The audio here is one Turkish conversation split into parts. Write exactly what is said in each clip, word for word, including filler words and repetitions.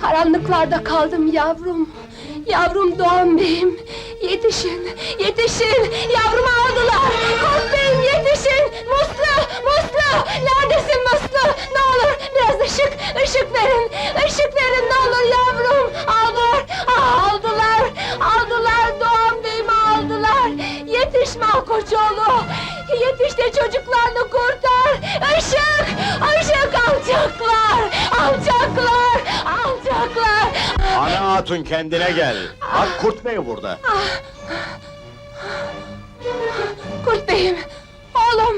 Karanlıklarda kaldım yavrum. Yavrum Doğan Bey'im. Yetişin, yetişin! Yavrumu aldılar! Kurt Bey'im yetişin! Muslu, Muslu! Neredesin Muslu? Ne olur biraz ışık, ışık verin! Işık verin ne olur yavrum! Aldılar, ah, aldılar! Aldılar, Doğan Bey'imi aldılar! Yetiş Malkoçoğlu! Yetiş de çocuklarını kurtar! Işık! Işık alacaklar! Alacaklar! Alacaklar! Ana hatun kendine gel! Bak Kurt Bey burada! Kurt Bey'im! Oğlum!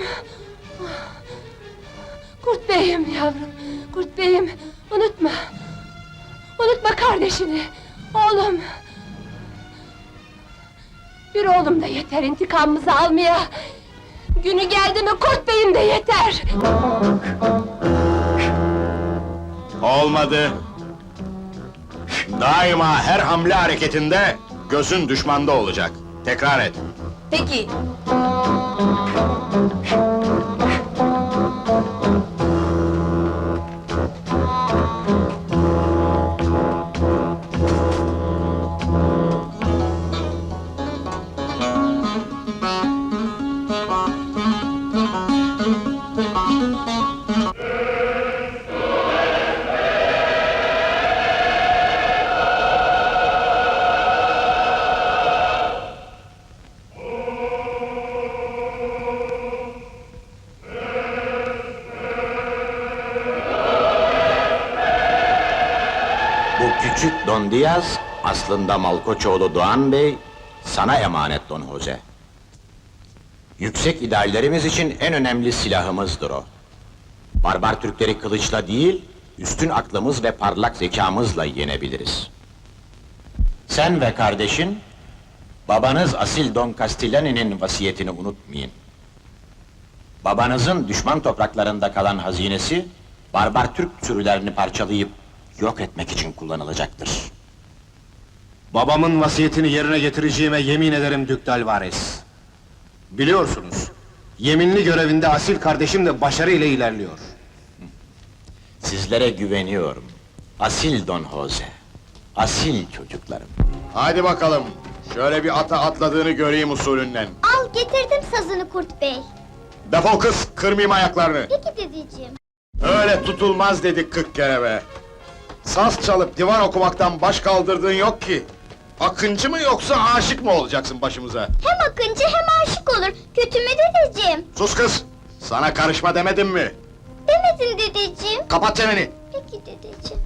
Kurt Bey'im yavrum! Kurt Bey'im! Unutma! Unutma kardeşini! Oğlum! Bir oğlum da yeter intikamımızı almaya! Günü geldi mi Kurt Bey'im de yeter! Olmadı! Daima her hamle hareketinde gözün düşmanda olacak. Tekrar et. Peki! Bu küçük Don Diaz, aslında Malkoçoğlu Doğan Bey, sana emanet Don Jose. Yüksek ideallerimiz için en önemli silahımızdır o. Barbar Türkleri kılıçla değil, üstün aklımız ve parlak zekamızla yenebiliriz. Sen ve kardeşin, babanız asil Don Castellani'nin vasiyetini unutmayın. Babanızın düşman topraklarında kalan hazinesi, barbar Türk sürülerini parçalayıp yok etmek için kullanılacaktır. Babamın vasiyetini yerine getireceğime yemin ederim Dük Dalvarez. Biliyorsunuz, yeminli görevinde asil kardeşim de başarı ile ilerliyor. Sizlere güveniyorum. Asil Don Jose. Asil çocuklarım. Hadi bakalım, şöyle bir ata atladığını göreyim usulünden. Al getirdim sazını Kurt Bey. Defol kız, kırmayayım ayaklarını! Peki dedeciğim. Öyle tutulmaz dedik kırk kere be! Saz çalıp divan okumaktan baş kaldırdığın yok ki! Akıncı mı yoksa aşık mı olacaksın başımıza? Hem akıncı hem aşık olur. Kötü mü dedeciğim? Sus kız! Sana karışma demedim mi? Demedin dedeciğim. Kapat çeneni! Peki dedeciğim.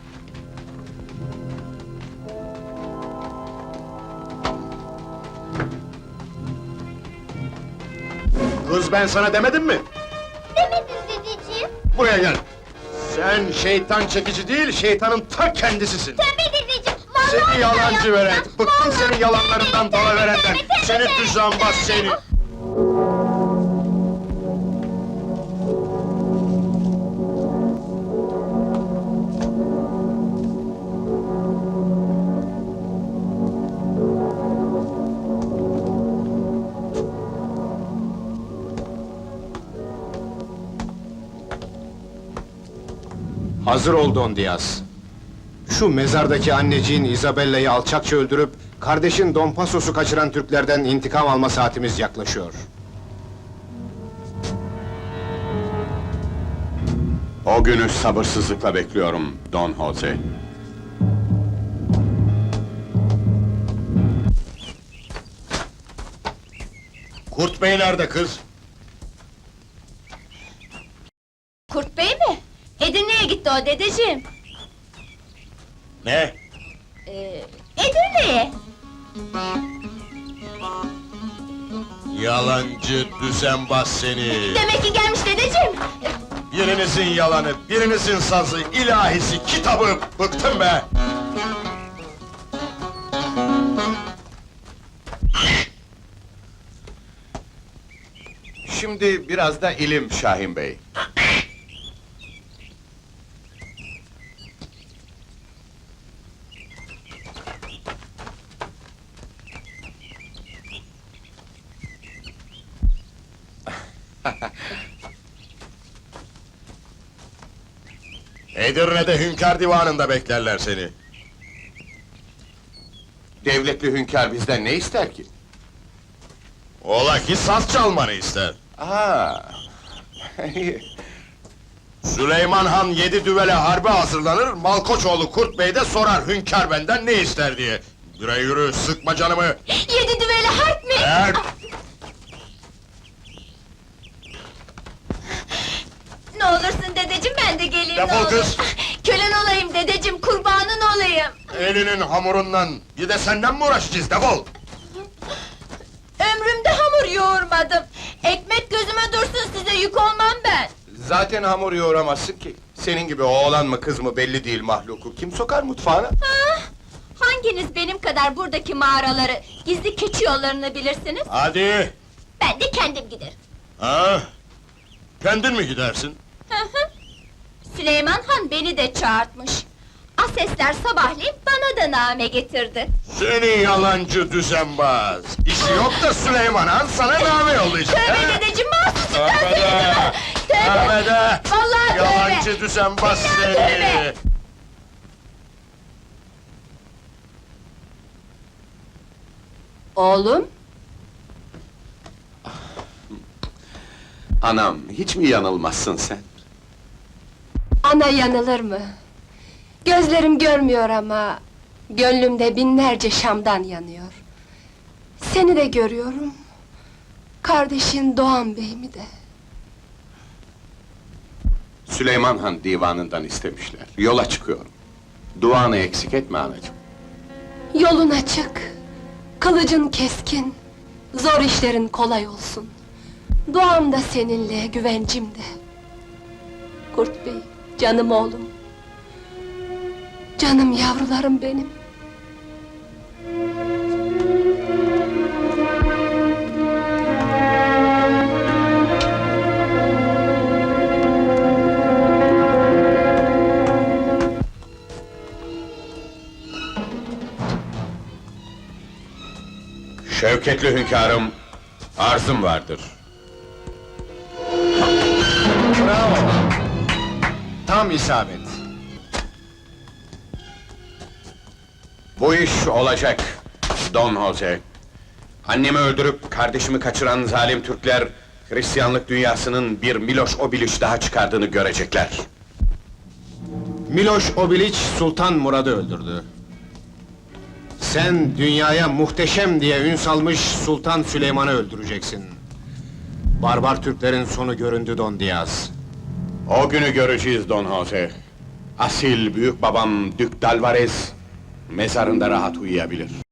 Kız ben sana demedim mi? Demedin dedeciğim. Buraya gel! Sen şeytan çekici değil, şeytanın ta kendisisin! Tövbe dedeciğim. Vallahi Seni billahi yalancı yapmam. veren, bıktım Vallahi senin yalanlarından, tövbe, tövbe, dalaverenden! tövbe, tövbe, Seni tövbe, düzenbaz tövbe. seni! Hazır ol Don Diaz. Şu mezardaki anneciğin Isabella'yı alçakça öldürüp, kardeşin Don Pasos'u kaçıran Türklerden intikam alma saatimiz yaklaşıyor. O günü sabırsızlıkla bekliyorum, Don Jose. Kurt Bey nerede kız? Kurt Bey mi? Edirne'ye gitti o dedeciğim. Ne? Ee, Edirne'ye. Yalancı düzenbaz seni! Demek ki gelmiş dedeciğim. Birinizin yalanı, birinizin sazı, ilahisi, kitabı! Bıktım be! Şimdi biraz da ilim Şahin Bey. Edirne'de hünkâr divanında beklerler seni. Devletli hünkâr bizden ne ister ki? Ola ki saz çalmanı ister. Aa. Süleyman Han yedi düvele harbe hazırlanır, Malkoçoğlu Kurt Bey de sorar hünkâr benden ne ister diye. Yürü yürü, sıkma canımı! Yedi düveli harp mi? Eğer Ne olursun dedeciğim, ben de geleyim. Defol ne olur. kız! Kölen olayım dedeciğim, kurbanın olayım. elinin hamurundan, bir de senden mi uğraşacağız, defol! Ömrümde hamur yoğurmadım. Ekmek gözüme dursun, size yük olmam ben. Zaten hamur yoğuramazsın ki. Senin gibi oğlan mı kız mı belli değil mahluku. Kim sokar mutfağına? Ah, hanginiz benim kadar buradaki mağaraları, gizli keçi yollarını bilirsiniz? Hadi! Ben de kendim giderim. Ha? Kendin mi gidersin? Hı hı. Süleyman Han beni de çağırtmış. Asesler sabahleyin bana da name getirdi. Seni yalancı düzenbaz! İşi yok da Süleyman Han sana name yollayacak, Tövbe ha? dedeciğim, mahsusum ben Tövbe de! seni! Tövbe! Tövbe de! Vallahi tövbe! Yalancı düzenbaz Billahi seni! tövbe! Oğlum? Anam, hiç mi yanılmazsın sen? Ana yanılır mı? Gözlerim görmüyor ama... ...gönlümde binlerce şamdan yanıyor. Seni de görüyorum... ...kardeşin Doğan Bey'imi de. Süleyman Han divanından istemişler. Yola çıkıyorum. Duanı eksik etme anacığım. Yolun açık... ...kılıcın keskin... ...zor işlerin kolay olsun. Duam da seninle, güvencim de. Kurt Bey, canım oğlum. Canım yavrularım benim. Şevketli hünkârım, arzım vardır. Bravo! Tam isabet. Bu iş olacak, Don Jose. Annemi öldürüp kardeşimi kaçıran zalim Türkler... ...Hristiyanlık dünyasının bir Miloš Obilić daha çıkardığını görecekler. Miloš Obilić Sultan Murad'ı öldürdü. Sen dünyaya muhteşem diye ün salmış Sultan Süleyman'ı öldüreceksin. Barbar Türklerin sonu göründü Don Diaz. O günü göreceğiz Don Jose. Asil büyük babam Dük Dalvarez... ...mezarında rahat uyuyabilir.